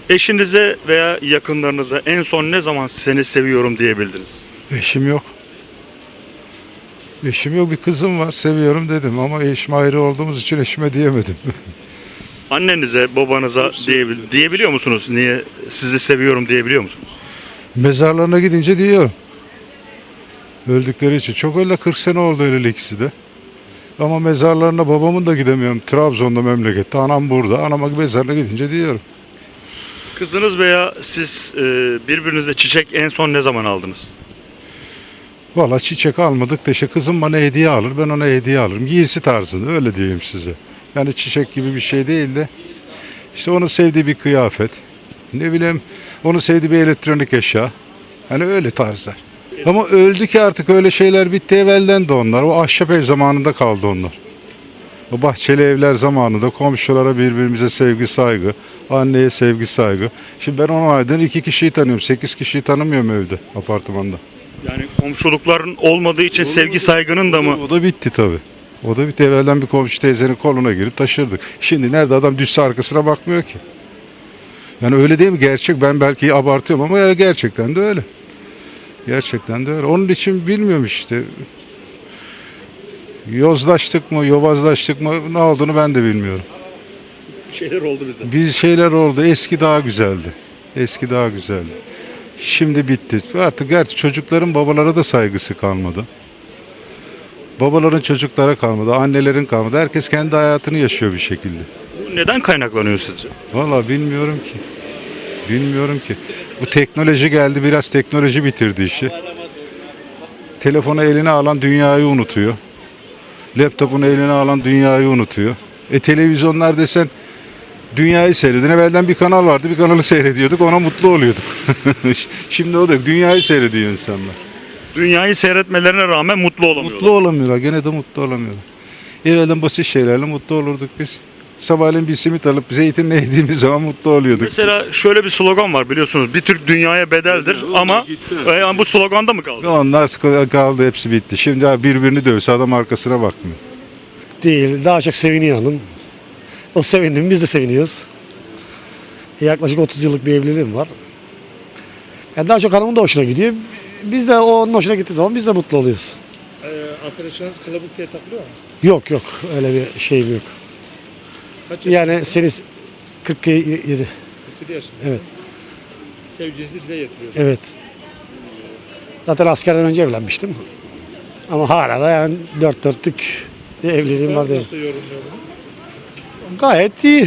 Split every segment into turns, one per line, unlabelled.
Eşinize veya yakınlarınıza en son ne zaman seni seviyorum diyebildiniz?
Eşim yok. Eşim yok, bir kızım var, seviyorum dedim ama eşim ayrı olduğumuz için eşime diyemedim.
Annenize, babanıza diyebiliyor musunuz? Niye sizi seviyorum diyebiliyor musunuz?
Mezarlarına gidince diyorum. Öldükleri için. Çok öyle 40 sene oldu öyle ikisi de. Ama mezarlarına babamın da gidemiyorum. Trabzon'da memlekette. Anam burada. Anama mezarına gidince diyorum.
Kızınız veya siz birbirinize çiçek en son ne zaman aldınız?
Valla çiçek almadık da işte kızım bana hediye alır. Ben ona hediye alırım. Giysi tarzında öyle diyeyim size. Yani çiçek gibi bir şey değil de. İşte onun sevdiği bir kıyafet. Ne bileyim onun sevdiği bir elektronik eşya. Hani öyle tarzlar. Ama öldü ki artık öyle şeyler bitti, evvelden de onlar. O ahşap ev zamanında kaldı onlar. O bahçeli evler zamanında komşulara birbirimize sevgi saygı, anneye sevgi saygı. Şimdi ben 10 aydan 2 kişiyi tanıyorum, 8 kişiyi tanımıyorum evde, apartmanda.
Yani komşulukların olmadığı için sevgi saygının da mı?
O da bitti tabii. O da bitti. Evvelden bir komşu teyzenin koluna girip taşırdık. Şimdi nerede adam düşse arkasına bakmıyor ki. Yani öyle değil mi? Gerçek. Ben belki abartıyorum ama ya gerçekten de öyle. Gerçekten de öyle. Onun için bilmiyorum işte. Yozlaştık mı, yobazlaştık mı ne olduğunu ben de bilmiyorum.
Şeyler oldu bize.
Bir şeyler oldu. Eski daha güzeldi. Eski daha güzeldi. Şimdi bitti. Artık gerçi çocukların babalara da saygısı kalmadı. Babaların çocuklara kalmadı. Annelerin kalmadı. Herkes kendi hayatını yaşıyor bir şekilde.
Bu neden kaynaklanıyor sizce?
Vallahi bilmiyorum ki. Bilmiyorum ki. Bu teknoloji geldi, biraz teknoloji bitirdi işi. Telefonu eline alan dünyayı unutuyor. Laptopunu eline alan dünyayı unutuyor. Televizyonlar desen dünyayı seyredin. Evvelden bir kanal vardı, bir kanalı seyrediyorduk, ona mutlu oluyorduk. Şimdi o da yok, dünyayı seyrediyor insanlar.
Dünyayı seyretmelerine rağmen mutlu olamıyorlar.
Mutlu olamıyorlar, gene de mutlu olamıyorlar. Evvelden basit şeylerle mutlu olurduk biz. Sabahleyin bir simit alıp zeytinle yediğimiz zaman mutlu oluyorduk.
Mesela şöyle bir slogan var biliyorsunuz. Bir Türk dünyaya bedeldir ama yani bu sloganda mı kaldı?
Onlar kaldı, hepsi bitti. Şimdi birbirini dövse adam arkasına bakmıyor.
Değil. Daha çok seviniyor hanım. O sevindi mi biz de seviniyoruz. Yaklaşık 30 yıllık bir evliliğim var. Yani daha çok hanımın da hoşuna gidiyor. Biz de onun hoşuna gittiği zaman biz de mutlu oluyoruz.
Arkadaşlarınız kılıbık diye takılıyor mu?
Yok yok öyle bir şeyim yok.
Kaç
Yani seni 47.
47 yaşındasınız.
Evet.
Sevginizi dile getiriyorsunuz.
Evet. Zaten askerden önce evlenmiştim. Ama hala da yani dört dörtlük bir evliliğim var değil.
Nasıl yorumluyor bunu?
Gayet iyi.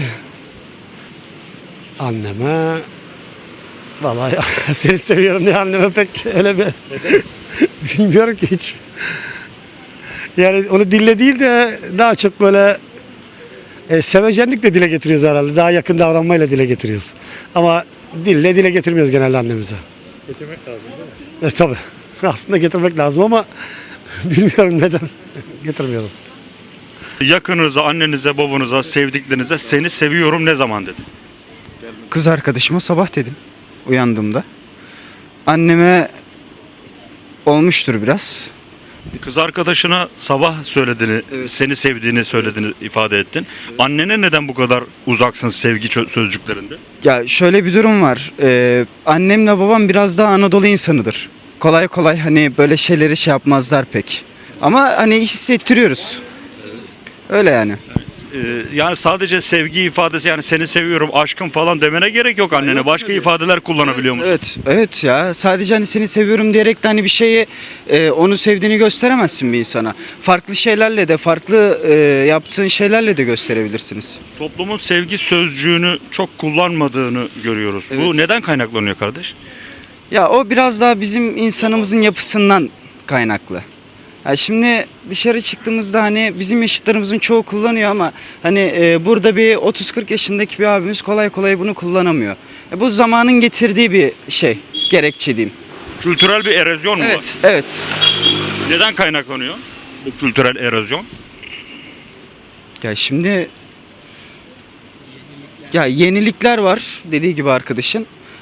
Anneme vallahi seni seviyorum diye anneme pek öyle bir bilmiyorum ki hiç. Yani onu dille değil de daha çok böyle sevecenlikle dile getiriyoruz herhalde. Daha yakın davranmayla dile getiriyoruz. Ama dille dile getirmiyoruz genelde annemize.
Getirmek lazım değil mi?
Tabii. Aslında getirmek lazım ama bilmiyorum neden getirmiyoruz.
Yakınınıza, annenize, babanıza, sevdiklerinize seni seviyorum ne zaman dedi?
Kız arkadaşıma sabah dedim uyandığımda. Anneme olmuştur biraz.
Kız arkadaşına sabah söylediğini, seni sevdiğini söylediğini ifade ettin. Annene neden bu kadar uzaksın sevgi sözcüklerinde?
Ya şöyle bir durum var. Annemle babam biraz daha Anadolu insanıdır. Kolay kolay hani böyle şeyleri şey yapmazlar pek. Ama hani hissettiriyoruz. Öyle yani.
Yani sadece sevgi ifadesi yani seni seviyorum, aşkım falan demene gerek yok annene. Başka ifadeler kullanabiliyor musun?
Evet, evet ya. Sadece hani seni seviyorum diyerek de hani bir şeyi onu sevdiğini gösteremezsin bir insana. Farklı şeylerle de, farklı yaptığın şeylerle de gösterebilirsiniz.
Toplumun sevgi sözcüğünü çok kullanmadığını görüyoruz. Bu
Evet.
neden kaynaklanıyor kardeş?
Ya o biraz daha bizim insanımızın yapısından kaynaklı. Ya şimdi dışarı çıktığımızda hani bizim yaşıtlarımızın çoğu kullanıyor ama hani burada bir 30-40 yaşındaki bir abimiz kolay kolay bunu kullanamıyor. Bu zamanın getirdiği bir şey, gerekçe diyeyim.
Kültürel bir erozyon mu var?
Evet, evet.
Neden kaynaklanıyor bu kültürel erozyon?
Ya şimdi ya yenilikler var dediği gibi arkadaşın.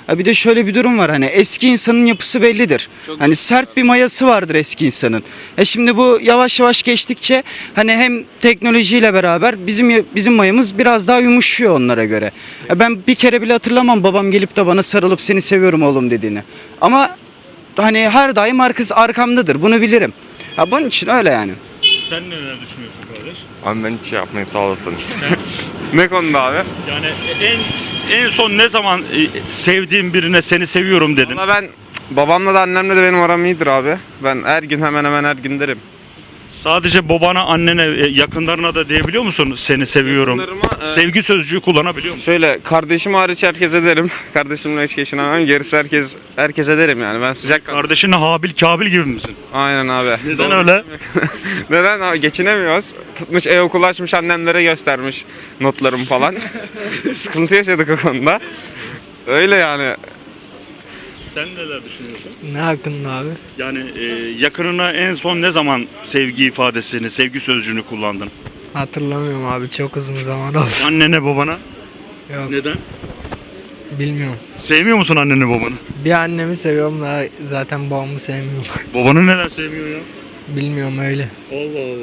Ha bir de şöyle bir durum var, hani eski insanın yapısı bellidir. Hani sert bir mayası vardır eski insanın. Şimdi bu yavaş yavaş geçtikçe hani hem teknolojiyle beraber bizim mayamız biraz daha yumuşuyor onlara göre. Ben bir kere bile hatırlamam babam gelip de bana sarılıp seni seviyorum oğlum dediğini. Ama hani her daim arkamdadır. Bunu bilirim. Bunun için öyle yani.
Sen neler düşünüyorsun kardeş?
Abi ben hiç şey yapmayayım, sağ olasın.
Sen
Ne konuda abi?
yani en son ne zaman sevdiğin birine seni seviyorum dedin?
Valla ben babamla da annemle de benim aram iyidir abi. Ben her gün hemen hemen her gün derim.
Sadece babana, annene, yakınlarına da diyebiliyor musun seni seviyorum?
Yakınlarıma,
Sevgi sözcüğü kullanabiliyor musun?
Şöyle kardeşim hariç herkese derim. Kardeşimle hiç geçinemem. Gerisi herkese derim yani. Ben sıcak
Kardeşinle Habil Kabil gibi misin?
Aynen abi.
Neden öyle?
Neden abi? Geçinemiyoruz. Tutmuş e-okul açmış, annemlere göstermiş notlarım falan. Sıkıntı yaşadık o konuda. Öyle yani.
Sen neler düşünüyorsun?
Ne hakkında abi?
Yani yakınına en son ne zaman sevgi ifadesini, sevgi sözcüğünü kullandın?
Hatırlamıyorum abi, çok uzun zaman oldu.
Annene, babana?
Yok,
Neden?
bilmiyorum.
Sevmiyor musun anneni, babanı?
Bir annemi seviyorum da zaten babamı sevmiyorum.
Babanı neden sevmiyor ya?
Bilmiyorum öyle.
Allah Allah.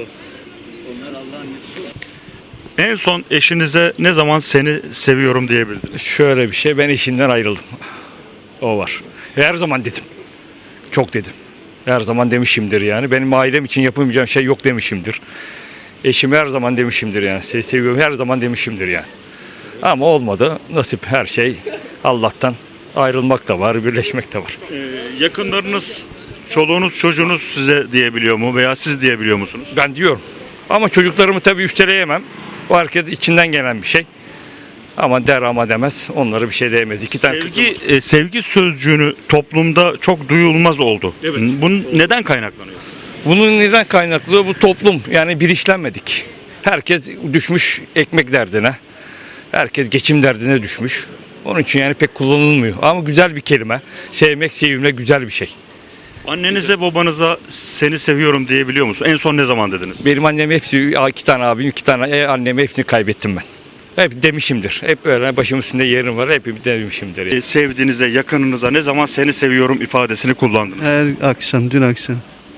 En son eşinize ne zaman seni seviyorum diyebildiniz?
Şöyle bir şey, ben eşimden ayrıldım. O var. Her zaman dedim. Çok dedim. Her zaman demişimdir yani. Benim ailem için yapamayacağım şey yok demişimdir. Eşimi her zaman demişimdir yani. Seni seviyorum her zaman demişimdir yani. Ama olmadı. Nasip her şey Allah'tan. Ayrılmak da var, birleşmek de var.
Yakınlarınız, çoluğunuz, çocuğunuz size diyebiliyor mu veya siz diyebiliyor musunuz?
Ben diyorum. Ama çocuklarımı tabii üsteleyemem. O herkes içinden gelen bir şey. Ama der ama demez. Onlara bir şey diyemez. İki tane kızım var.
Sevgi sözcüğünü toplumda çok duyulmaz oldu.
Evet.
Bunun neden kaynaklanıyor?
Bunun neden kaynaklı? Bu toplum yani bilinçlenmedik. Herkes düşmüş ekmek derdine. Herkes geçim derdine düşmüş. Onun için yani pek kullanılmıyor. Ama güzel bir kelime. Sevmek, sevilmek güzel bir şey.
Annenize, babanıza seni seviyorum diyebiliyor musun? En son ne zaman dediniz?
Benim annem hepsi, iki tane abim, iki tane annemi hepsini kaybettim ben. Hep demişimdir. Hep öyle başımın üstünde yerim var. Hep demişimdir.
Sevdiğinize, yakınınıza ne zaman seni seviyorum ifadesini kullandınız?
Her akşam, dün akşam.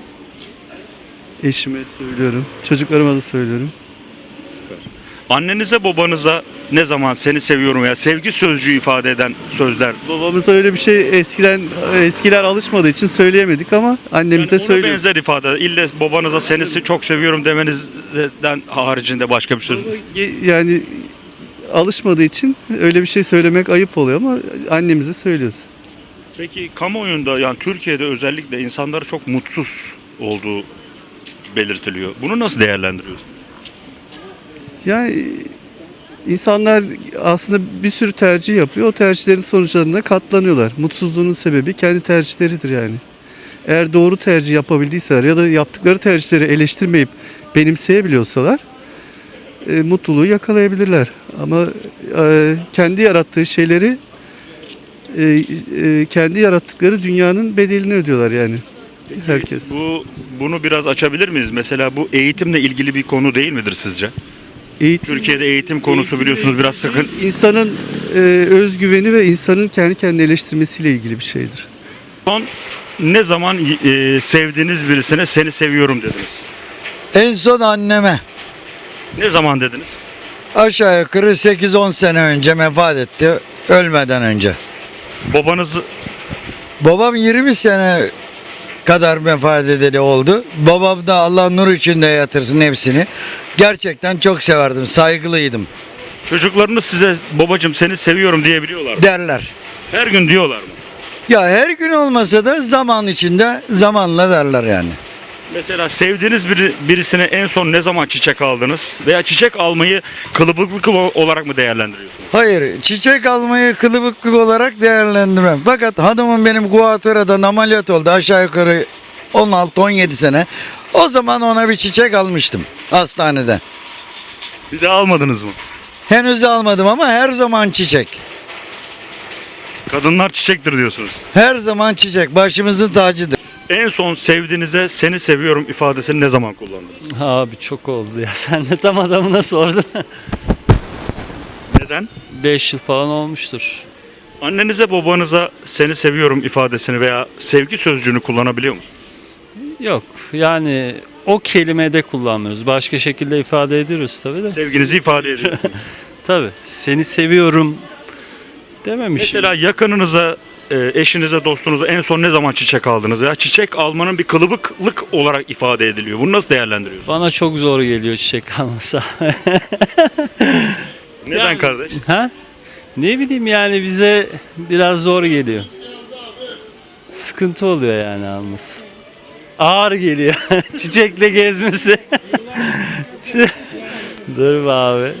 Eşime söylüyorum, çocuklarıma da söylüyorum.
Annenize, babanıza ne zaman seni seviyorum veya sevgi sözcüğü ifade eden sözler?
Babamıza öyle bir şey eskiler alışmadığı için söyleyemedik ama annemize
Yani ona
söylüyoruz.
benzer ifade. İlle babanıza seni çok seviyorum demenizden haricinde başka bir söz.
Yani alışmadığı için öyle bir şey söylemek ayıp oluyor ama annemize söylüyoruz.
Peki kamuoyunda, yani Türkiye'de özellikle insanlar çok mutsuz olduğu belirtiliyor. Bunu nasıl değerlendiriyorsunuz?
Yani insanlar aslında bir sürü tercih yapıyor. O tercihlerin sonuçlarına katlanıyorlar. Mutsuzluğunun sebebi kendi tercihleridir yani. Eğer doğru tercih yapabildiyseler ya da yaptıkları tercihleri eleştirmeyip benimseyebiliyorsalar mutluluğu yakalayabilirler. Ama kendi yarattığı şeyleri kendi yarattıkları dünyanın bedelini ödüyorlar yani. Herkes.
Bunu biraz açabilir miyiz? Mesela bu eğitimle ilgili bir konu değil midir sizce? Türkiye'de eğitim konusu biliyorsunuz biraz sıkın.
İnsanın özgüveni ve insanın kendi kendini eleştirmesiyle ilgili bir şeydir.
Son ne zaman sevdiğiniz birisine seni seviyorum dediniz?
En son anneme
Ne zaman dediniz?
aşağı yukarı 8-10 sene önce vefat etti, ölmeden önce.
Babanızı
Babam 20 sene kadar vefat edeli oldu. Babam da Allah nur içinde yatırsın hepsini. Gerçekten çok severdim, saygılıydım
çocuklarınız size babacığım seni seviyorum diyebiliyorlar mı?
derler.
Her gün diyorlar mı?
Ya her gün olmasa da zaman içinde zamanla derler yani.
Mesela sevdiğiniz birisine en son ne zaman çiçek aldınız? Veya çiçek almayı kılıbıklık olarak mı değerlendiriyorsunuz?
Hayır, çiçek almayı kılıbıklık olarak değerlendirmem. Fakat hanımım benim Guatemala'dan ameliyat oldu aşağı yukarı 16-17 sene. O zaman ona bir çiçek almıştım hastanede.
Bir daha almadınız mı?
Henüz almadım ama her zaman çiçek.
Kadınlar çiçektir diyorsunuz.
Her zaman çiçek başımızın tacıdır.
En son sevdiğinize seni seviyorum ifadesini ne zaman kullandınız?
Abi çok oldu ya. Sen de tam adamına sordun.
Neden?
5 yıl falan olmuştur.
Annenize babanıza seni seviyorum ifadesini veya sevgi sözcüğünü kullanabiliyor musun?
Yok yani o kelimede kullanmıyoruz. Başka şekilde ifade ediyoruz tabii de.
Sevginizi ifade ediyorsunuz.
Tabii seni seviyorum dememişim.
Mesela yakınınıza, eşinize, dostunuza en son ne zaman çiçek aldınız? Veya çiçek almanın bir kılıbıklık olarak ifade ediliyor. Bunu nasıl değerlendiriyorsunuz?
Bana çok zor geliyor çiçek almasa.
Neden
Yani-
kardeş?
Ha? Ne bileyim yani bize biraz zor geliyor. Sıkıntı oluyor yani alması. Ağır geliyor. Çiçekle gezmesi. Dur be abi.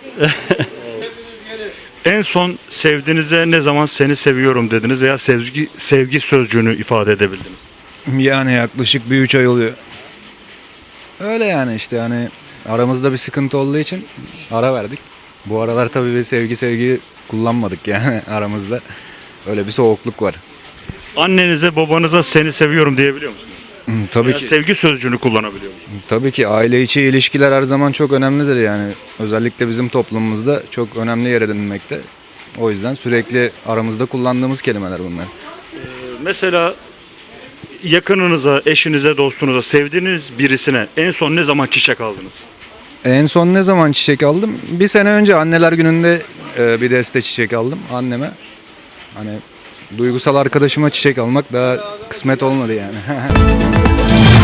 En son sevdiğinize ne zaman seni seviyorum dediniz veya sevgi sözcüğünü ifade edebildiniz?
Yani yaklaşık bir 3 ay oluyor. Öyle yani işte hani aramızda bir sıkıntı olduğu için ara verdik. Bu aralar tabii bir sevgi kullanmadık yani aramızda. Öyle bir soğukluk var.
Annenize, babanıza seni seviyorum diyebiliyor musunuz?
Tabii
Veya
ki
sevgi sözcüğünü kullanabiliyor musunuz?
tabii ki aile içi ilişkiler her zaman çok önemlidir yani. Özellikle bizim toplumumuzda çok önemli yer edinmekte. O yüzden sürekli aramızda kullandığımız kelimeler bunlar.
Mesela yakınınıza, eşinize, dostunuza, sevdiğiniz birisine en son ne zaman çiçek aldınız?
En son ne zaman çiçek aldım? Bir sene önce anneler gününde bir deste çiçek aldım anneme. Hani duygusal arkadaşıma çiçek almak daha kısmet olmadı yani.